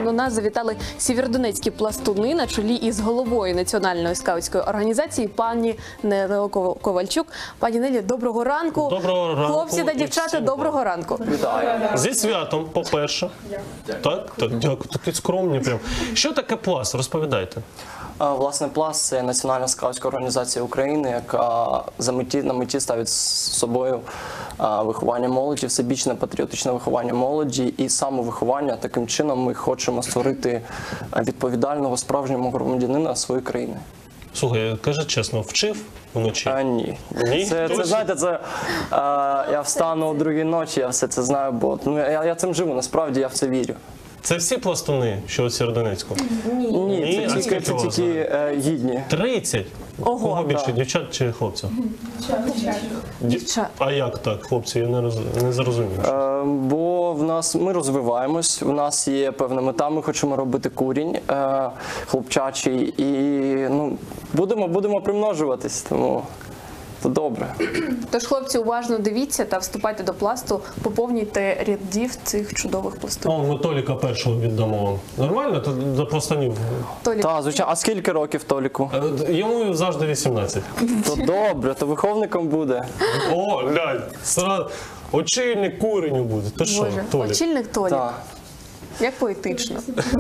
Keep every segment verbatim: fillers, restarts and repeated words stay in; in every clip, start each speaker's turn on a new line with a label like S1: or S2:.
S1: до нас завітали сєвєродонецькі пластуни на чолі із головою Національної скаутської організації пані Нелею Ковальчук. Пані Нелі, доброго ранку.
S2: Доброго ранку.
S1: Хлопці та дівчата, доброго ранку.
S2: Вітаю. Зі святом, по-перше. Так, так, дякую, такі скромні прям. Що таке пласт? Розповідайте.
S3: Власне, пласт – це Національна скаутська організація України, яка за меті, на меті ставить з собою виховання молоді, всебічне патріотичне виховання молоді і самовиховання. Таким чином ми хочемо створити відповідального справжнього громадянина своєї країни.
S2: Слухай, кажи чесно, вчив вночі?
S3: А, ні.
S2: Ні?
S3: Це, це, знаєте, це, а, я встану о другій ночі, я все це знаю, бо ну, я, я цим живу, насправді я в це вірю.
S2: Це всі пластуни, що у Сєвєродонецьку?
S3: Ні,
S2: Ні,
S3: це
S2: а
S3: тільки, це
S2: вас
S3: тільки е, гідні.
S2: тридцять?
S1: Ого,
S2: Кого більше,
S3: да.
S2: дівчат чи хлопців?
S1: Дівчат.
S2: А як так, хлопці? Я не, роз... не зрозумів.
S3: Е, бо в нас ми розвиваємось, у нас є певна мета, ми хочемо робити курінь е, хлопчачий і ну, будемо, будемо примножуватись, тому то добре.
S1: Тож, хлопці, уважно дивіться та вступайте до пласту, поповнюйте рядів цих чудових пластунів.
S2: О, ми Толіка першого віддамо вам. Нормально? То до пластунів.
S1: Толік,
S3: Та, звичайно, а скільки років Толіку?
S2: Е, Йому завжди вісімнадцять.
S3: То добре, то виховником буде.
S2: О, глянь, сразу очільник куреню буде. Ти що,
S1: Боже,
S2: Толік?
S1: очільник Толік.
S3: Так.
S1: Як поетично.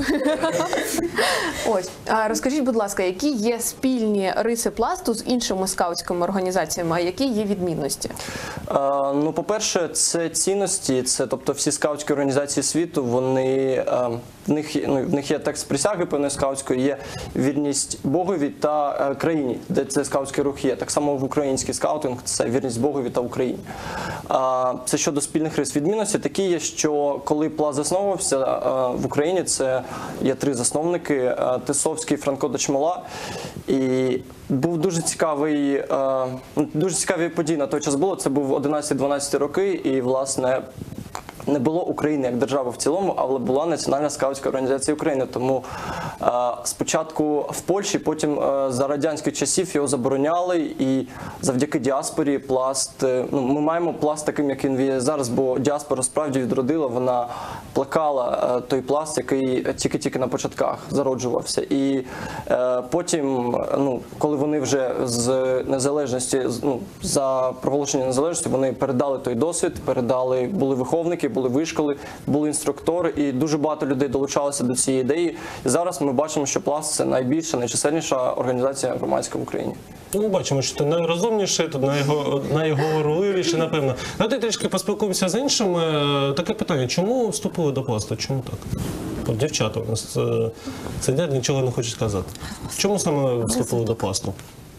S1: Ось, а розкажіть, будь ласка, які є спільні риси пласту з іншими скаутськими організаціями, а які є відмінності?
S3: Е, ну, по-перше, це цінності, це, тобто всі скаутські організації світу, вони, е, в, них, ну, в них є текст присяги певної скаутської, є вірність Богові та е, країні, де цей скаутський рух є. Так само в український скаутинг це вірність Богові та Україні. Е, це щодо спільних рис. Відмінності такі є, що коли пласт засновувався е, в Україні, це є три засновники е, – Тисовський, Франко Дочмола. І був дуже цікавий, е, дуже цікаві події на той час було. Це був одинадцяті-дванадцяті роки, і, власне, не було України як держави в цілому, але була Національна скаутська організація України. Тому е, спочатку в Польщі, потім е, за радянських часів його забороняли, і завдяки діаспорі пласт, е, ну, ми маємо пласт таким, як він є зараз, бо діаспора справді відродила, вона плекала е, той пласт, який тільки-тільки на початках зароджувався. І е, потім, ну, коли вони вже з незалежності, ну, за проголошення незалежності, вони передали той досвід, передали, були виховники, були вишколи, були інструктори, і дуже багато людей долучалося до цієї ідеї. І зараз ми бачимо, що пласт – це найбільша, найчисельніша організація громадська в Україні.
S2: Ну, ми бачимо, що ти найрозумніший, тут найго, найговорливіший, напевно. Давайте трішки поспілкуємося з іншими. Таке питання, чому вступили до пласту? Чому так? От дівчата у нас е, сидять, нічого не хочуть сказати. Чому саме вступили до пласту?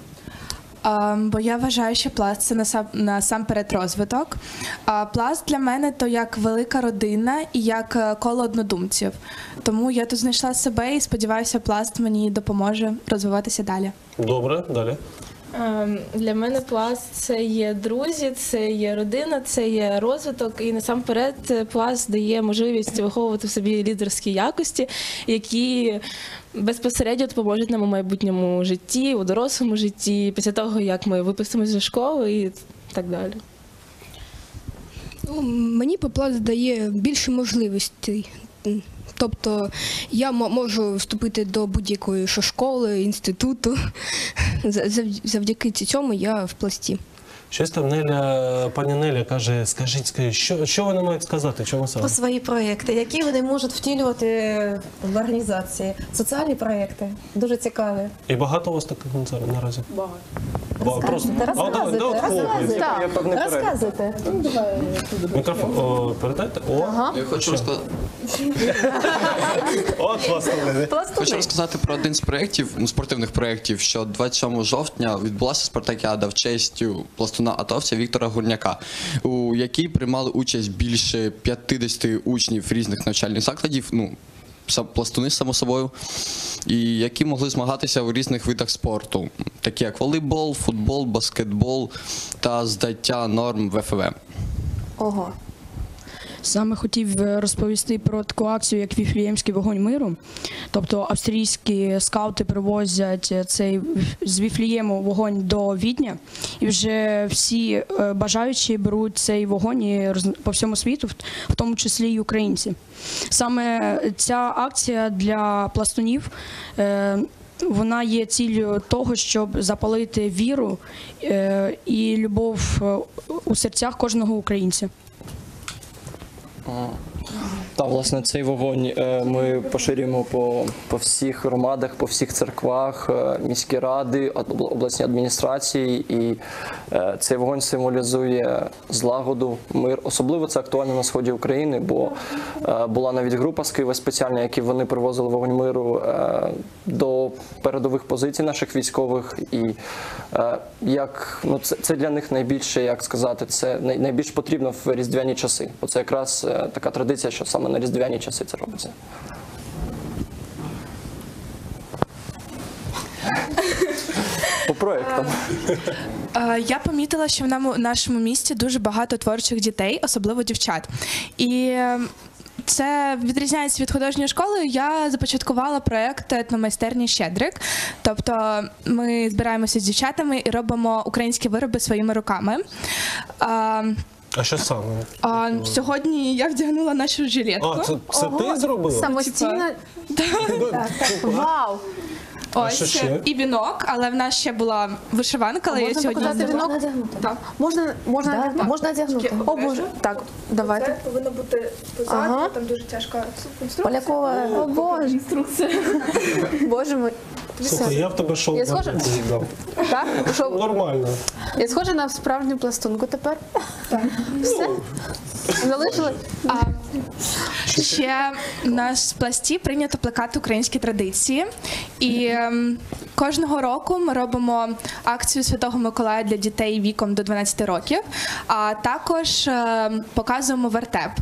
S4: А, бо я вважаю, що пласт – це насам, насамперед розвиток. А пласт для мене – то як велика родина і як коло однодумців. Тому я тут знайшла себе і сподіваюся, пласт мені допоможе розвиватися далі.
S2: Добре, далі.
S5: Для мене пласт – це є друзі, це є родина, це є розвиток. І насамперед пласт дає можливість виховувати в собі лідерські якості, які безпосередньо допоможуть нам у майбутньому житті, у дорослому житті, після того, як ми випустимося зі школи і так далі.
S6: Ну, мені пласт дає більше можливостей. Тобто я можу вступити до будь-якої школи, інституту. Завдяки цьому я в пласті.
S2: Щось там Неля, пані Неля каже, скажіть, скажіть, що, що вони мають сказати, чому саме?
S7: Про свої проєкти, які вони можуть втілювати в організації. Соціальні проєкти, дуже цікаві.
S2: І багато у вас таких наразі?
S7: Багато.
S2: Багато. Просто...
S7: Розказуйте,
S2: А, да, да,
S7: розказуйте,
S3: Є певний перелік.
S7: розказуйте. Ну, давай.
S2: Мікрофон о, передайте. О,
S1: Ага.
S8: Я хочу розказати.
S2: От пластуни.
S8: Хочу розказати про один з проєктів, ну, спортивних проєктів, що двадцять сьомого жовтня відбулася спартакіада в честь пластуна атовця Віктора Гурняка, у якій приймали участь більше п'ятдесят учнів різних навчальних закладів, ну, пластуни, само собою, і які могли змагатися у різних видах спорту, такі як волейбол, футбол, баскетбол та здаття норм ВФВ.
S1: Ого.
S9: саме хотів розповісти про таку акцію, як Віфліємський вогонь миру. Тобто австрійські скаути привозять цей з Віфлієму вогонь до Відня, і вже всі е, бажаючі беруть цей вогонь і роз- по всьому світу, в- в тому числі і українці. Саме ця акція для пластунів е, вона є ціллю того, щоб запалити віру е, і любов е, у серцях кожного українця.
S3: Та, власне, цей вогонь е, ми поширюємо по, по всіх громадах, по всіх церквах, е, міські ради, об- обласні адміністрації. І е, цей вогонь символізує злагоду, мир. Особливо це актуально на сході України, бо е, була навіть група з Києва спеціальна, які вони привозили вогонь миру е, до передових позицій наших військових. І е, як, ну, це, це для них найбільше, як сказати, це най- найбільш потрібно в різдвяні часи. Бо це якраз е, така традиція, що саме на різдвяні часи це робиться. По проєктам.
S4: Е, Я помітила, що в нам- нашому місті дуже багато творчих дітей, особливо дівчат. І е, це відрізняється від художньої школи. Я започаткувала проєкт етномайстерні Щедрик. Тобто ми збираємося з дівчатами і робимо українські вироби своїми руками. А,
S2: А що саме?
S4: а, сьогодні я вдягнула нашу жилетку.
S2: А, це, це ти зробила?
S1: Самостійно? Вау!
S2: А що
S4: Ось
S2: ще?
S4: і вінок, але в нас ще була вишиванка, але я
S1: Можна
S4: сьогодні
S1: показати
S4: зняла.
S1: вінок?
S7: Надягнути.
S4: Так.
S1: Можна, можна
S7: Да,
S1: надягнути?
S7: можна одягнути.
S1: О, Боже. Так, давайте.
S4: повинно бути позаду,
S1: Ага.
S4: там дуже тяжка конструкція.
S7: Полякова.
S1: О, Боже. Боже мой.
S2: Слухай, я в тебе шоу
S1: Я схожа?
S2: віддав.
S1: Так? Що,
S2: Нормально.
S1: я схожа на справжню пластунку тепер? Так. Все? Залишили?
S4: А ще в нас в пласті прийнято плекати українські традиції. І ем, кожного року ми робимо акцію Святого Миколая для дітей віком до дванадцяти років, а також ем, показуємо вертеп.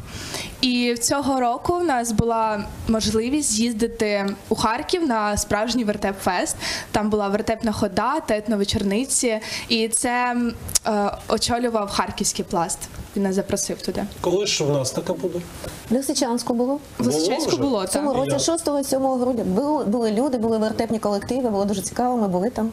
S4: І цього року в нас була можливість з'їздити у Харків на справжній вертеп-фест. Там була вертепна хода та етновечорниці. І це е, очолював харківський пласт. Він нас запросив туди.
S2: Коли ж в нас таке буде?
S7: В Лисичанську було.
S4: В Лисичанську
S2: вже?
S4: було,
S7: В цьому
S4: так.
S7: році шостого-сьомого грудня були, були люди, були вертепні колективи, було дуже цікаво, ми були там.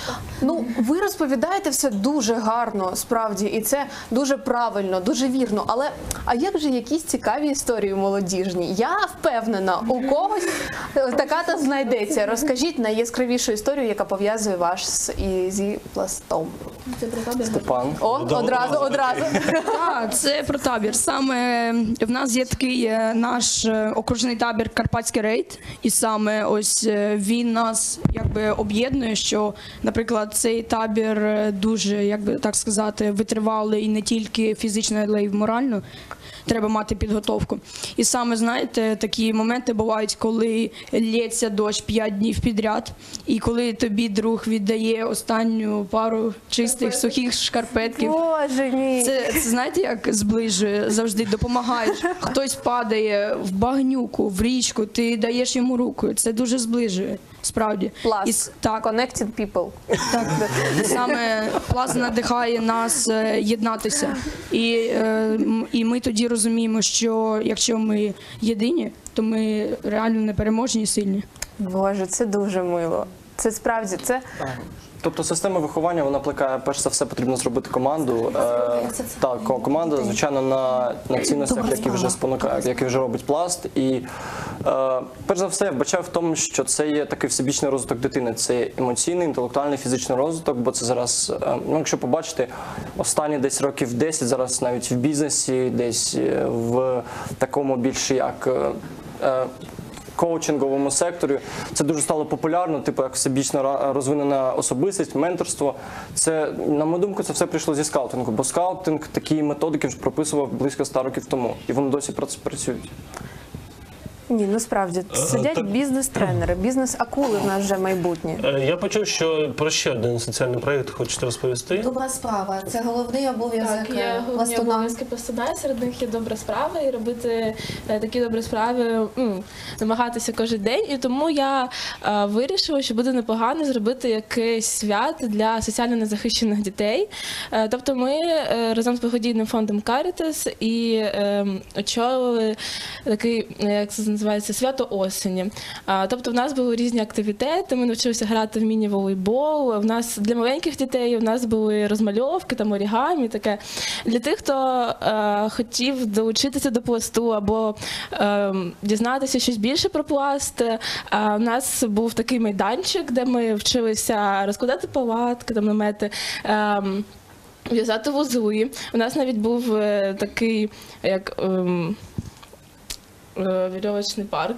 S1: Ну, ви розповідаєте все дуже гарно, справді, і це дуже правильно, дуже вірно. Але а як же якісь цікаві історії молодіжні? Я впевнена, у когось така та знайдеться. Розкажіть найяскравішу історію, яка пов'язує вас з- і зі пластом.
S3: Степан.
S1: О, одразу, одразу.
S9: Так, це про табір. Саме в нас є такий е, наш е, окружний табір Карпатський рейд, і саме ось е, він нас якби об'єднує, що, наприклад, цей табір е, дуже, як би так сказати, витривалий і не тільки фізично, але й морально. Треба мати підготовку. І саме, знаєте, такі моменти бувають, коли лється дощ п'ять днів підряд, і коли тобі друг віддає останню пару чистих сухих шкарпетків.
S1: Боже мій.
S9: Це, це знаєте, як зближує, завжди допомагаєш. Хтось падає в багнюку, в річку, ти даєш йому руку. Це дуже зближує, справді.
S1: Пласт.
S9: І с- так,
S1: Connected people.
S9: так. Саме пласт надихає нас е, єднатися. І, е, м- і ми тоді розуміємо, що якщо ми єдині, то ми реально непереможні і сильні.
S1: Боже, це дуже мило. Це справді, це
S3: Тобто система виховання, вона плекає, перш за все, потрібно зробити команду. Е, так, ко- команда, звичайно, на, на цінностях, які вже спонукають, які вже робить пласт. І е, перш за все, я вбачаю в тому, що це є такий всебічний розвиток дитини. Це є емоційний, інтелектуальний, фізичний розвиток, бо це зараз, е, ну, якщо побачити, останні десь років десять, зараз навіть в бізнесі, десь е, в такому більше як. е, е, коучинговому секторі це дуже стало популярно, типу як всебічно ра- розвинена особистість, менторство. Це, на мою думку, це все прийшло зі скаутингу, бо скаутинг такі методики вже прописував близько ста років тому, і вони досі прац- працюють.
S1: Ні, насправді сидять
S2: так-
S1: бізнес-тренери, бізнес-акули в нас вже майбутнє.
S2: Е, Я почув, що про ще один соціальний проєкт хочете розповісти.
S7: Добра справа. Це головний обов'язок
S5: Так, є
S7: е,
S5: головні
S7: пластуна.
S5: обов'язки пластуна, і серед них є добра справа, і робити е, такі добрі справи, м, намагатися кожен день. І тому я е, вирішила, що буде непогано зробити якийсь свят для соціально незахищених дітей. Е, тобто ми е, разом з благодійним фондом Caritas і е, очолили такий, е, як це називається, свято осені. А, тобто в нас були різні активітети, ми навчилися грати в міні-волейбол, в нас для маленьких дітей в нас були розмальовки, там орігамі, таке. Для тих, хто е, хотів долучитися до пласту або е, дізнатися щось більше про пласт, е, у нас був такий майданчик, де ми вчилися розкладати палатки, там намети, е, в'язати вузли. У нас навіть був е, такий, як... ем, е, вірьовочний парк.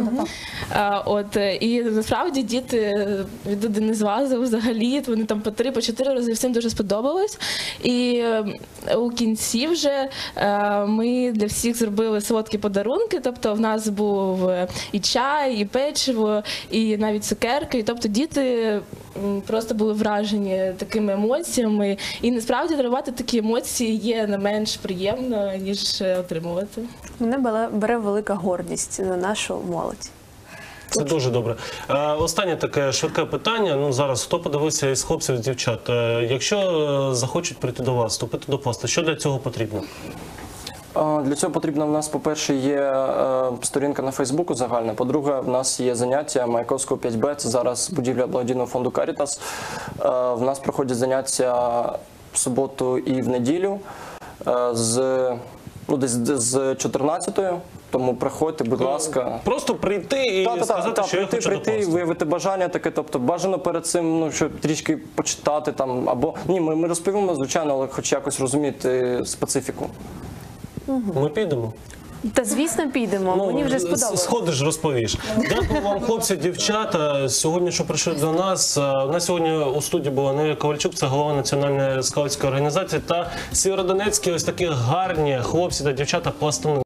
S5: А, От, е, і насправді діти відуди не злазили взагалі, вони там по три, по чотири рази, всім дуже сподобалось. І е, у кінці вже е, ми для всіх зробили солодкі подарунки, тобто в нас був і чай, і печиво, і навіть цукерки. І, тобто діти м, просто були вражені такими емоціями. І насправді дарувати такі емоції є не менш приємно, ніж е, отримувати.
S1: Мене бере- бере велика гордість за нашу молодь.
S2: Це дуже добре. Е, Останнє таке швидке питання. Ну зараз хто подивився із хлопців, з дівчат? Е, Якщо е, захочуть прийти до вас, вступити до пласту, що для цього потрібно?
S3: А, Для цього потрібно в нас, по-перше, є е, сторінка на Фейсбуку загальна. По-друге, в нас є заняття Маяковського п'ять Б, це зараз будівля благодійного фонду Caritas. Е, В нас проходять заняття в суботу і в неділю е, з, ну, десь з чотирнадцятої. Тому приходьте, будь ласка.
S2: Просто прийти і
S3: Та, та, та,
S2: сказати,
S3: та,
S2: що я
S3: прийти,
S2: хочу до
S3: прийти,
S2: пласту.
S3: виявити бажання таке, тобто бажано перед цим, ну, щоб трішки почитати там, або, ні, ми, ми розповімо, звичайно, але хоч якось розуміти специфіку.
S2: Ми підемо.
S1: Та звісно підемо, мені вже
S2: с-
S1: сподобалось.
S2: Сходиш, розповіш. Дякую вам, хлопці, дівчата. Сьогодні, що прийшли до нас. У нас сьогодні у студії була Неля Ковальчук, це голова Національної скаутської організації, та Сєвєродонецькі ось такі гарні хлопці та дівчата пластуни.